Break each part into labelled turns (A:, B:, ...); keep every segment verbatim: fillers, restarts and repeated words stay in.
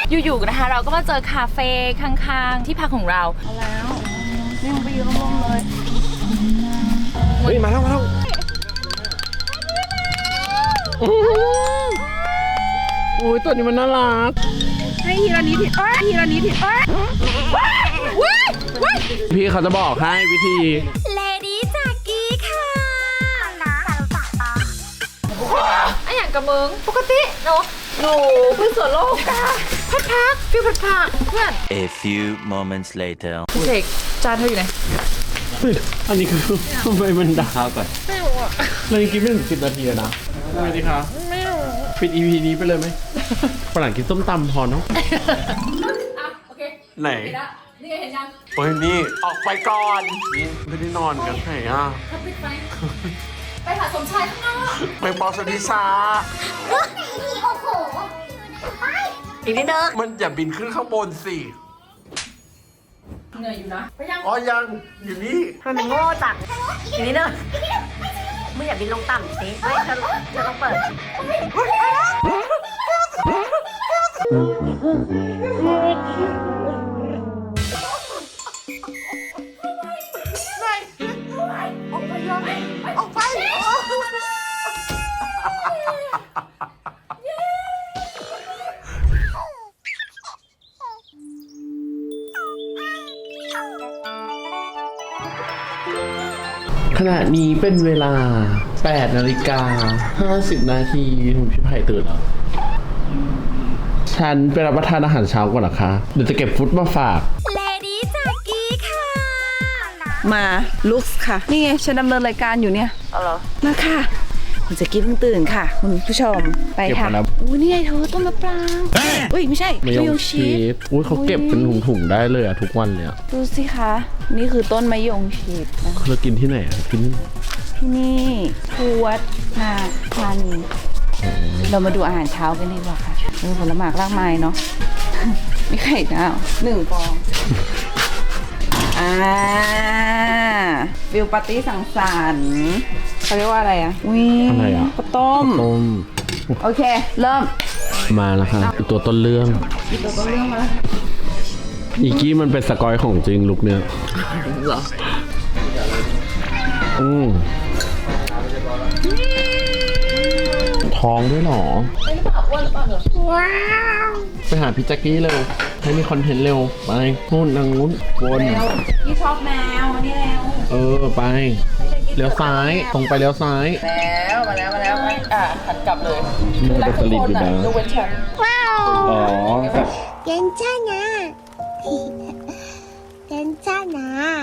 A: อยู่ๆนะคะเราก็มาเจอคาเฟ่ข้างๆที่พักของเราเอาแล้วนี่มันไปยืนร่มๆเลย
B: เฮ้ยมาแล้วมาแล้วโอ้ยตัวนี้มันน่ารัก
A: ให้ทีละนิดทีเอ้ยทีละนิดทีเอ้ย
B: พี่เขาจะบอกให้วิธี
A: เลดี้จากกี้ค่ะไอ้อย่างกับมึงปกติหนูหนูเพื่อนสวนโลกกาพัดพักฟิวพัดพักเพื่อน
C: A few moments later
A: พี่เสกจานเธออยู่ไหน
B: อันนี้คือทำไมมันดังก่อน
A: ไม่รู้อ่ะ
B: เรายังกินไม่ถึงสิบนาทีนะทำไมดีคะ
A: ไม่รู้
B: ปิด อี พี นี้ไปเลยไหมฝรั่งกินส้มตำพอเนาะ
A: โอเค
B: ไหน
A: นี่เห็นยัง
B: โอ้ยนี่ออกไปก่อนนี่ไม่ได้นอนกันไหนอ่ะ
A: ปิดไฟไปหาสมชายข้างนอก
B: ไปปอสดิซา
A: โอ้โหอีกนิดนึง
B: มันอย่าบินขึ้นข้างบนสิ
A: เหนื่อยอยู่นะไปยัง
B: อ๋อยังอยู่นี่
A: มันเป็นโง่จังอีกนิดนึงมึงอย่าบินลงต่ำสิไม่จะจะต้องเปิด
B: ขณะนี้เป็นเวลาแปดนาฬิกาห้าสิบนาทีคุณพี่ไผ่ตื่นแล้วฉันไปรับประทานอาหารเช้าก่อนนะคะเดี๋ยวจะเก็บฟุตมาฝาก
A: เลดี้จากกี้ค่ะ
D: มาลุกค่ะนี่ไงฉันดำเนินรายการอยู่เนี่ย
A: เอาเหรอ
D: มาค่ะคุณจะกี้เพิ่งตื่นค่ะคุณผู้ชมไปค่ะอุ้ยนี่ไงเธอต้นมะปรางอุ้ยไม่ใช่มะยงชิด
B: อุ้ยเขาเก็บเป็นถุงๆได้เลยอะทุกวันเลยอะ
D: ดูสิคะนี่คือต้นมะยงชิดนะ
B: เรากินที่ไหนอะกิน
D: ที่นี่ทวดนาธานีเรามาดูอาหารเช้ากันดีกว่าค่ะมีผลไม้รากไม้เนาะมีไข่ดาวหนึ่งฟองอ่าฟิลปาร์ตี้สังสรรค์เขาเรียกว่าอะไรอ่ะอุ้ย
B: อะไรอ่ะ
D: ข้าวต้ม
B: ต้ม
D: โอเคเริ่ม
B: มาแล้วค่ะตัวต้นเรื่อง
D: ตัวต้นเรื่องมา
B: อีกี้มันเป็นสกอยของจริงลุกเนี้ย
D: เหรอ
B: อืมท้องด้วยหรอ
A: เป็นปากอ้วนหรือเปล่าเหรอ
D: ว้าว
B: ไปหาพี่แจ็คกี้เร็วให้มีคอนเทนต์เร็วไปนู่นนางนู้นวน
D: พี่ชอบแมวมานี่แล้ว
B: เออไปเลี้ยวซ้ายตรงไปเลี้ยวซ้าย
A: แล้วมาแล้วมาแล้วอ่ะหันกลับเลย
B: นี่เป็นสลิปอยู่นะ
A: ดูเว้นฉัน
D: ว้าว
B: อ๋อ
D: 괜찮아 괜찮아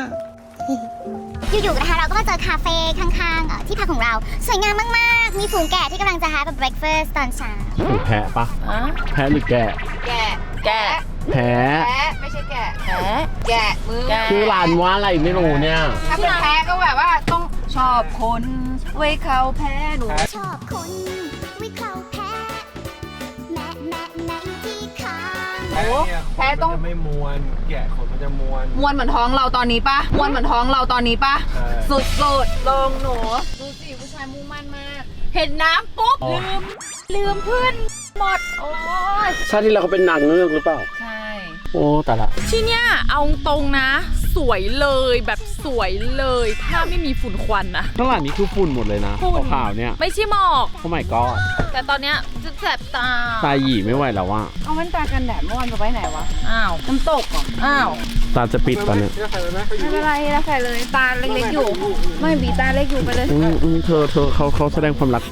E: อยู่ๆนะคะเราก็มาเจอคาเฟ่ข้างๆที่พักของเราสวยงามมากๆมีฝูงแกะที่กำลังจะหาแบบ breakfast ตอนเช้า
B: ฝูงแพะปะแพะหรือแกะ
A: แกะแกะ
B: แพะ
A: แพะไม่ใช่แกะแพะแกะมือ
B: ชื่อร้านว่าอะไรไม่รู้เนี่ย
A: ถ้าเป็นแพะก็แบบว่าต้องชอบคนไว้เขาแพ้หนู
E: ชอบคนไว้เขาแพ้แม่แม่แม่ที่ข้าง
A: โอ้แพ้ต้อง
B: ไม่มวนแกะขนมันจะมวน
A: มวนเหมือนท้องเราตอนนี้ปะมวนเหมือนท้องเราตอนนี้ปะสุดสุดลงหนูดูสิผู้ชายมุ่งมั่นมากเห็นน้ำปุ๊บลืมลืมเพื่อนหมดโอ้ย
B: ชาติที่เราก็เป็นนางเงือกหรือเปล่า
A: ใช่
B: โอ้แต่ละ
A: ที่เนี้ยเอาตรงนะสวยเลยแบบสวยเลยถ้าไม่มีฝุ่นควันนะ
B: ข้างหลังนี้คือฝุ่นหมดเลยนะขาวๆเนี่ย
A: ไม่ใช่หมอก
B: โอ้ my god
A: แต่ตอนเนี้ยจะแสบตา
B: ตาหยีไม่ไหวแล้วว่ะ
D: เอาแว่นตากันแดดเมื่อวานไปไว้ไหนวะ
A: อ้าว
D: น้ำตกเหรอ
A: อ้าว
B: ตาจะปิดตอนเนี้ย
D: ไม่เป็นไรนะใส่เลยตาเล็กๆอยู่ไม่บีตาเล็กอยู่ไปเลย
B: อืมอืมเธอเธอเขาเขาแสดงความรัก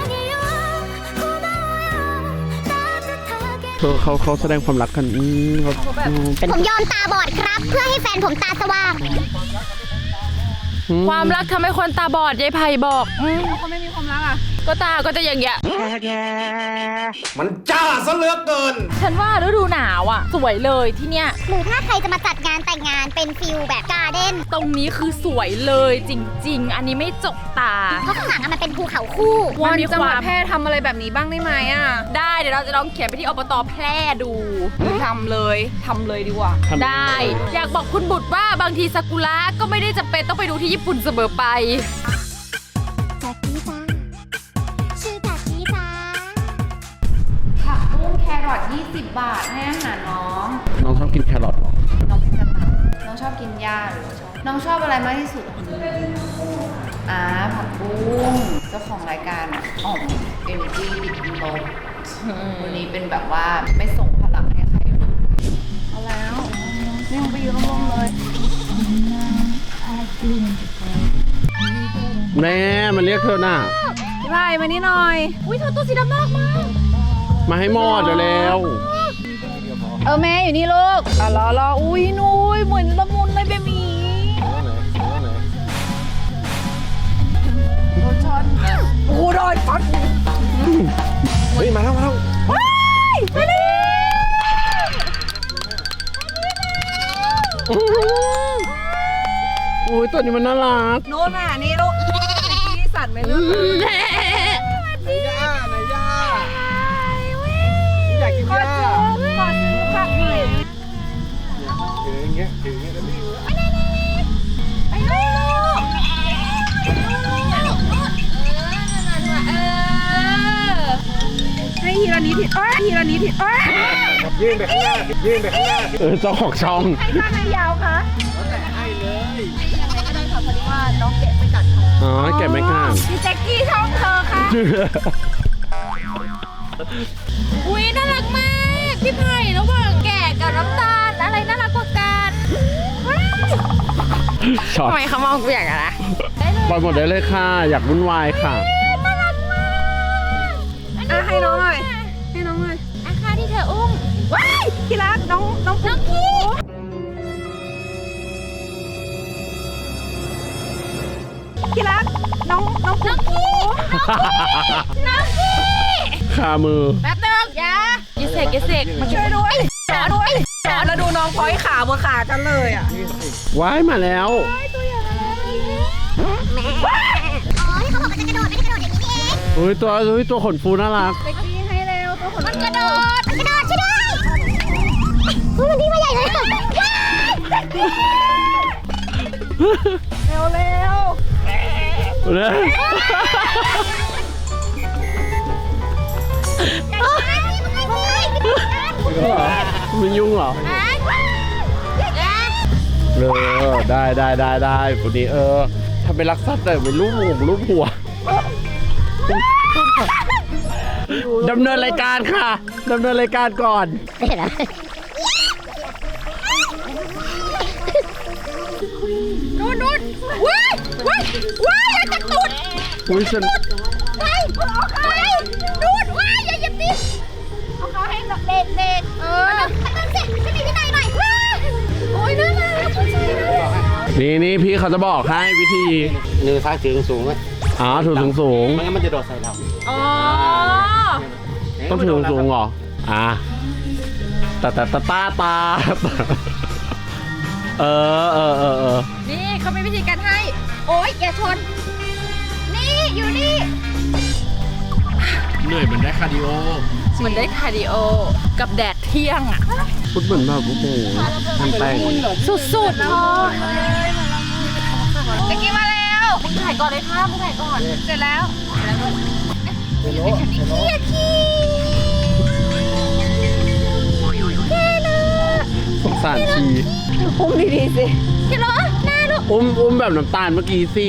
B: เธอเขาเขาแสดงความรักกันอืมเขา
E: ผมยอมตาบอดครับเพื่อให้แฟนผมตาสว่าง
A: ความรักทำให้คนตาบอดยายไผ่บอก
D: เขาไม่มีความรักอ่ะ
A: ก็ตาก็จะอย่างเงี้ย
B: มันจ้าซะเหลือเกิน
A: ฉันว่าฤดูหนาวอ่ะสวยเลยที่เนี้ย
E: หรือถ้าใครจะมาจัดงานแต่งงานเป็นฟิลแบบการ์เด้น
A: ตรงนี้คือสวยเลยจริงๆอันนี้ไม่จกตา
E: เพราะข้างหลังมันเป็นภูเขาคู่
A: วันจังหวัดแพร่ทำอะไรแบบนี้บ้างได้ไหมอ่ะได้เดี๋ยวเราจะลองเขียนไปที่อบต.แพร่ดูทำเลยทำเลยดีกว่าได้อยากบอกคุณบุตรว่าบางทีซากุระก็ไม่ได้จำเป็นต้องไปดูที่ญี่ปุ่นเสมอไป
E: จากกี้จ้าชื่อจากกี้จ้า
A: ผักบุ้งแครอทยี่สิบ
D: บาทให้อาหารน้อง
B: น้องชอบกินแครอทเหรอ
D: น้องเป็นกระต่ายน้องชอบกินหญ้าหรือว่าชอบน้องชอบอะไรมากที่สุดอ่าผักบุ้งเจ้าของรายการอ่ะอ๋อมเอเนจีดิบลบวันนี้เป็นแบบว่าไม่ส่งพลังให้ใครเลยเอาแล้วนี่มึงไปยืนร่มๆเลย
B: แม่มันเรียกเธอน่ะ
D: พี่ไผ่มานี่หน่อย
A: อุ้ยเธอตัวสีดำน่ารักมาก
B: มาให้หมอดเดี๋ยวแล้ว
D: เออแม่อยู่นี่ลูกอ่ะรอรออุ้ยนุ้ยเหมือนละมุนเลยเบบีโดนช็อตโอ้โดนช็อต
B: เฮ้ยมาแล้วมาแล้ว
D: ว้ายมาเลย
B: โอ้ยตัวนี้มันน่ารัก
D: โน่นน่ะนี่ลูกที่สั่นไหมลูก
B: ไหนย่าไหนย่าอยากกินย่า
D: ขอซื้อผักหน่อย
B: ถืออย่างเงี้ยถืออย่างเงี้ยแล้วนี่
D: ไปลูก
A: เออ
D: ให้ทีละนิดทีเอ้ยทีละนิดทีเอ้ย
B: ยื่นไปข้างหน้ายื่นไปข้างหน้าเออเจ้าของช่อง
D: ให้สั้นให้ยาวคะ
B: แต่ให้เลย
D: ไม่ได้ค่ะพอดีว่าน้องแกะไปกัดค่ะ
B: อ๋อแกะไม่ข้าง
D: พี่แจ็คกี้ช่องเธอค่ะ
A: อุ้ยน่ารักมาก พี่ไผ่ระหว่างแก่กับน้ำตาลอะไรน่ารักกว่ากัน
B: ช็อต
A: ทำไมเขามองกูอย่างนั้นนะ
B: ปล่อยหมดได้เลยค่ะ อยากวุ่นวายค่ะ
D: อ่ะให้น้องหน่อยให้น้องหน่อย
A: อาคาที่เธออุ้ม
D: ว้ายที่รักน้องน้อง
A: น้องพี่
D: ที่รักน้องน้อง
A: น้องพี่ น้องพี่
B: คามือ
A: แป๊บนึงอย่าอย่าเสกอย่าเสกมาช่วยด้วยขอด้วย
D: แล้วดูน้องพอยขาบนขากันเลยอ่ะ
B: ว้ายมาแล้ว
E: อ๋อที่เขาบอกมันจะกระโดดไม่ได้กระโดดอย่างนี้นี่เอง
B: เฮ้ยตัวเฮ้ยตัวขนฟูน่ารัก
D: เซ็กซี่ให้เร็วตัวขน
A: มันกระโดด
E: มันกระโดดช่วยด้วยอุ้ยมันดีมาใหญ่เลยว้าย
D: เร็วเร็ว
B: เลย มันยุ่งเหรอ เออ ได้ได้ได้ได้คนนี้เออทำเป็นรักสัตว์แต่เป็นรูปหัวรูปหัวดำเนินรายการค่ะดำเนินรายการก่อน
A: นู่นนู่นว้ายว้ายว้ายอย่าจับตูด
B: อุ้ยฉัน
A: ว้ายเอาขาให้นู่นว้ายอย่าหยิบดิเอาขาให้เด็กเด็กเออ
E: ตั้งเสร็จขึ้นไปที่ไหนหน่อยว้าย
A: โอ้ยน่ารักผู้ชายน่ารัก
B: นี่นี่พี่เขาจะบอกให้วิธี
F: มือซ้ายถือสูงๆไว้
B: อ๋อถือสูงสูง
F: ไม่งั้นมันจะโดดใส่เรา
A: อ๋อ
B: ๆต้องถือสูงสูงๆเหรออ่ะตาตาตาตาตาเออเออเออเออ
A: นี่เขามีวิธีการให้ โอ๊ยอย่าชน นี่อยู่นี่
B: เหนื่อยเหมือนได้คาร์ดิโอ
A: เหมือนได้คาร์ดิโอ กับแดดเที่ยงอ่ะ
B: พูดเหมือนแบบโอ้โหทำแต่ง
A: สุดๆพ่อตะกี้มาแล้วมึงถ่ายก่อนเลยค่ะมึงถ่ายก่อน เสร็จแล้วขี้อะขี้
B: สงสารชี
D: อุ้มดีๆสิ
A: ขี้เหรอหน้าลูก
B: อุ้มอุ้มแบบน้ำตาลเมื่อกี้สิ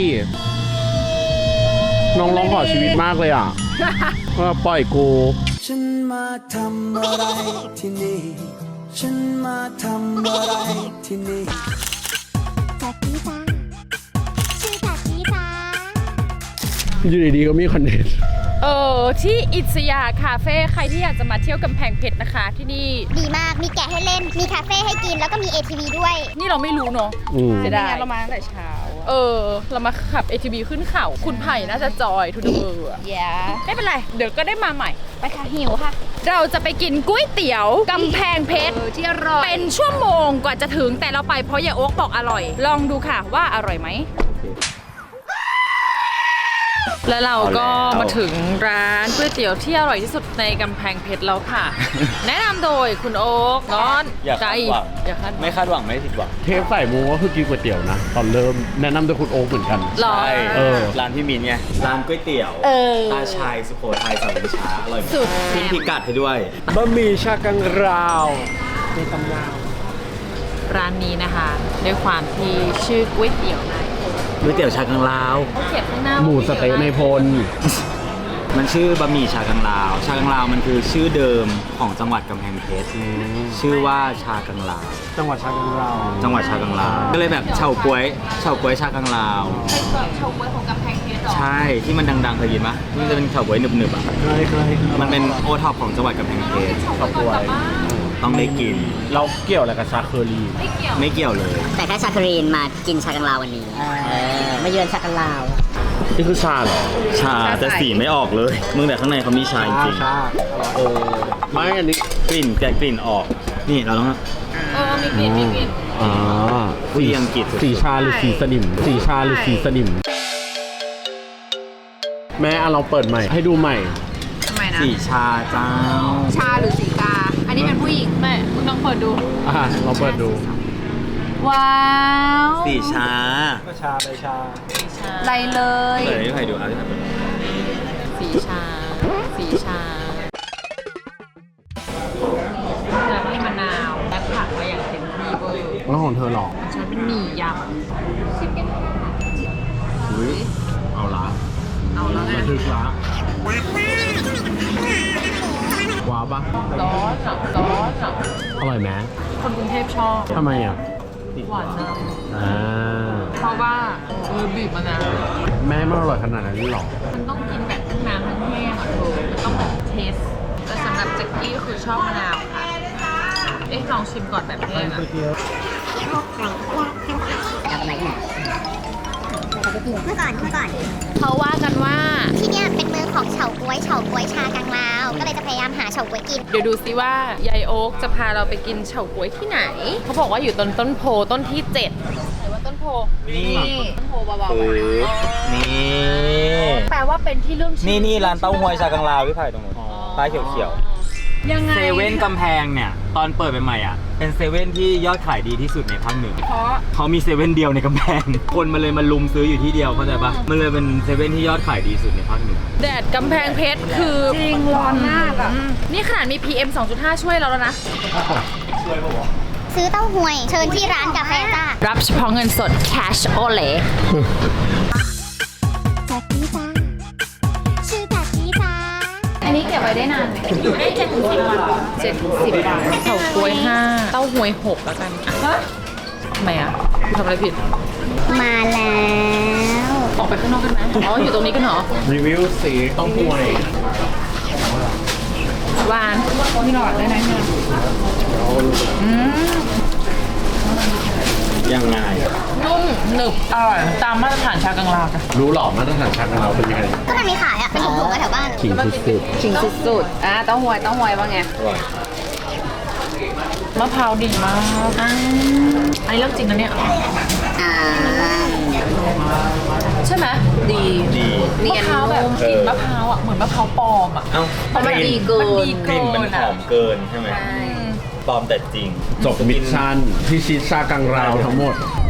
B: น้องร้องขอชีวิตมากเลยอ่ะ ว่าปล่อยกู
G: ฉันมาทำอะไรที่นี่ ฉันมาทำอะไรที่นี่
E: จากกี้จ้าชื่อจากกี้จ้า
B: อยู่ดีๆก็มีคอนเทนต์
A: เออที่อิสยาคาเฟ่ใครที่อยากจะมาเที่ยวกำแพงเพชรนะคะ ที่นี่
E: ดีมาก มีแกะให้เล่น มีคาเฟ่ให้กิน แล้วก็มี เอ ที วี ด้วย
A: นี่เราไม่รู้เนาะ
B: อืม
A: เสียดาย
D: เรามาตั้งแต่เช้า
A: เออ เรามาขับ เอ ที วี ขึ้นเขาคุณไผ่น่าจะจอยทุกเบอร์อะ
D: อย่า
A: ไม่เป็นไร เดี๋ยวก็ได้มาใหม่
D: ไปค่ะหิวค่ะ
A: เราจะไปกินก๋วยเตี๋ยวกำแพงเพชร
D: เออที่อร่อย
A: เป็นชั่วโมงกว่าจะถึงแต่เราไปเพราะยายโอ๊กบอกอร่อย ลองดูค่ะว่าอร่อยไหมแล้วเราก็
H: เอาแล้ว
A: มาถึงร้านก๋วยเตี๋ยวที่อร่อยที่สุดในกำแพงเพชรแล้วค่ะ แนะนำโดยคุณโอ๊กน้อน
H: อย่าคาดหวัง
A: อย่าคาดหวัง
H: ไม่คาดหวังไม่ผิดหวัง
B: เทปใส่มูก็คือกินก๋วยเตี๋ยวนะ ตอนเริ่มแนะนำโดยคุณโอ๊คเหมือนกัน
A: หรอ
H: ใช่
B: เออ
H: ร้านพี่มินไงร้านก๋วยเตี๋ยว
A: เออ
H: ตาชายสุโขทัยสามวิชาอร่อยมาก
A: สุด
H: ทิ้งพิกัดให้ด้วย
F: บะหมี่ชากังราว
A: ร้านนี้นะคะ ด้วยความที่ชื่อก๋วยเตี๋ยวนาย
H: ก๋วยเตี๋ยวชากังลาว
A: เขาเขียนข้างหน้า
B: หมูสะเต๊ะในพล
H: มันชื่อบะหมี่ชากังลาว ชากังลาวมันคือชื่อเดิมของจังหวัดกำแพงเพชรชื่อว่าชากังลาว
F: จังหวัดชากังราว
H: จังหวัดชากังลาว ก็เลยแบบเฉาก๊วยเฉาก๊วยชากังลาว
A: เป็นแบบชาวก๋วยของกำแพงเพชรเหรอ
H: ใช่ที่มันดังๆเคยกินปะที่มันจะเป็นเฉาก๊วยหนึบๆอ่ะ
F: เคยเคย
H: มันเป็นโอท็อปของจังหวัดกำแพงเพชร
A: ชาวก๋วยก่อนกลับบ้าน
H: ต้องได้กิน
B: เราเกี่ยวอะไรกับชาเคอรี่
A: ไม่เกี่ยว
H: ไม่เกี่ยวเลย
I: แต่แค่ชาครีนมากินชากังลาววันนี้มาเยือนชากังลาว
B: นี่คือชาเหรอ
H: ชาแต่สีไม่ออกเลย มึงแต่ข้างในเขามีชาจริง
F: ชา
B: เออ ไม่อันนี้
H: ๆกลิ่นแกะกลิ่นออก นี่เราต้อง
A: เออมีกลิ่นมีกลิ่น
B: อ่า
H: ผู้ดีอังกฤษสุดๆ
B: สีชาหรือสีสนิม สีชาหรือสีสนิม แม่เอาเราเปิดใหม่ ให้ดูใหม่
A: ทำไมนะ
H: สีชาเจ้า
A: ชาหรือสีกา อันนี้เป็นผู้หญิงแม่คุณต้องเปิดดู
B: อ่าเราเปิดดู
A: ว้าว
H: สีชา
F: ก็ชาไปชา
A: ไรเลย
H: เปิดให้ใครดูเอาที่ไหนเปิด
A: สีชา สีชาแล้วมีมะนาวและผักไว้อย่างเต็มที่เวอร์
B: แล้วของเธอหรอ
A: ฉันเป็นหมี่ยำชิคเก้น
B: อุ้ยเอาละ
A: เอาแล้วไง
B: มาถึงละว้าวปะ
A: ร้อนอ่ะร้อนอ่ะ
B: อร่อยไหม
A: คนกรุงเทพชอบ
B: ทำไมอ่ะ
A: หวานน
B: อ่า
A: ำเพราะว่าเออบีบมะนาว
B: แม่มันอร่อยขนาดนั้นเลยเหรอ
A: มันต้องกินแบบทั้งน้ำทั้งแห้งอ่ะเธอมันต้องแบบเทส แต่สำหรับแจ็คกี้ก็คือชอบมะนาวค่ะ เอ๊ะลองชิมก่อนแบบแห้งอ่ะ
I: เอาไปไหนกัน
E: เมื่อก่อนเมื่อก่อน
A: เขาว่ากันว่า
E: ที่เนี่ยเป็นเมืองของเฉาก๊วยเฉาก๊วยชากังลาว ก็เลยจะพยายามหาเฉาก๊วยกิน
A: เดี๋ยวดูซิว่ายายโอ๊กจะพาเราไปกินเฉาก๊วยที่ไหน เขาบอกว่าอยู่ต้นต้นโพต้นที่เจ็ดไหนว่าต้นโพ
H: นี่
A: ต้นโพเบา
H: คือ
A: ๆ
H: นี่
A: แปลว่าเป็นที่เรื่องชื่อ
H: นี่นี่ร้านเต้าหวยชากังลาวพี่ไผ่ตรงนู้นป้ายเขียว
A: ยัง
H: ๆ
A: ไง
H: เซเว่นกำแพงเนี่ย ตอนเปิดใหม่ๆอ่ะ เป็นเซเว่นที่ยอดขายดีที่สุดในภาคเหนือ
A: เพราะ
H: เขามีเซเว่นเดียวในกำแพง คนมันเลยมาลุมซื้ออยู่ที่เดียวเข้าใจปะมันเลยเป็นเซเว่นที่ยอดขายดีสุดในภาคเหนือ
A: แดดกำแพงเพชรคือจริงร้อนมากอ่ะ นี่ขนาดมี พี เอ็ม สองจุดห้า ช่วยเราแล้วนะ
E: ซื้อเต้าหวย เชิญที่ร้านกาแฟจ้า
A: รับเฉพาะเงินสด cash only
E: จากกี้จ้าชื่อจากกี้จ้า
A: อันนี้เก็บไว้ได้นานไหมอยู่ได้เจ็ดถึงสิบวันเจ็ดถึงสิบวันเฉาก๊วยห้าเต้าหวยหกแล้วกันอ่ะทำไมอ่ะทำอะไรผิด
E: มาแล้ว
A: ออกไปข้างนอกกันไหมอ๋อ อยู่ตรงนี้กันเหรอ
B: รีวิวสีต้องห่วย
A: หวานมีหลอดด้วยนะเนี่ยอืม
H: ยังไง
A: นุ่มหนึบอร่อยตามมาตรฐานชากังลาวจ้ะ
B: รู้หรอมาตรฐานชาของเราเป็นยังไง
E: ก็มันมีขายอ่ะ เป็นถุงๆกันแถวบ้าน
B: ขิงสุด
D: ชิงสุดๆอ่ะเต้าหวยเต้าหวยว่าไง
A: มะพร้าวดีมากอ่าอันนี้เรื่องจริงนะเนี่ย
I: อ่า
A: ใช่ไหมดี
H: ดี
A: มะพร้าวแบบกลิ่นมะพร้าวอ่ะเหมือนมะพร้าวปลอมอ่ะ
H: เอ้า
A: เพราะมันดีเกินมันดี
H: ก
A: เกิ
H: ลิ่น
A: น
H: มันหอมเกินใช่ไหมปลอมแต่จริง
B: ๆจบมิชชั่นพิชิตชากังราวทั้งหมด